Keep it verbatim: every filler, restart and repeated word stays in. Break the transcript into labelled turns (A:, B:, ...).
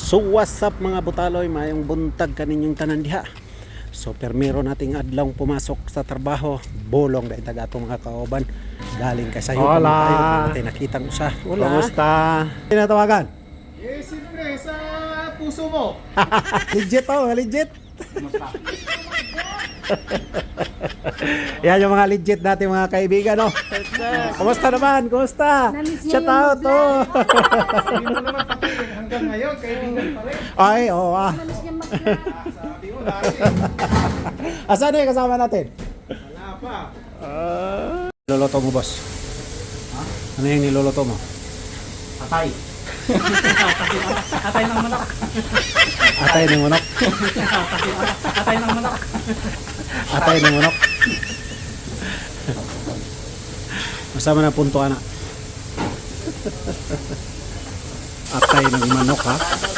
A: So what's up mga butaloy, mayong buntag kaninyong tanan diha. So permiro nating adlong pumasok sa trabaho, bolong dahil taga atong mga kauban galing kay sayo.
B: Hola.
A: Natin nakitang usa. Wala.
B: Kumusta? Tinatawagan?
C: Eh, siyempre, sa puso mo.
B: Legit oh, legit. Yan yung mga legit natin mga kaibigan, no? Kumusta naman? Kumusta?
D: Namiss niya
B: Shout
D: yung
B: out, oh.
C: Sabi mo naman pati, hanggang ngayon, kaibigan pa rin.
B: Ay, oo ah.
D: Malis niya mag-vlog.
C: Sabi mo dati,
B: Asan na yung kasama natin?
C: wala pa.
A: Niloloto mo, boss? Ha? Ano yung niloloto mo?
C: Atay. Atay ng manok.
A: Atay ng manok.
C: Atay ng manok.
A: Atay ng manok. Masama na punto ana. Atay ng manok, ha?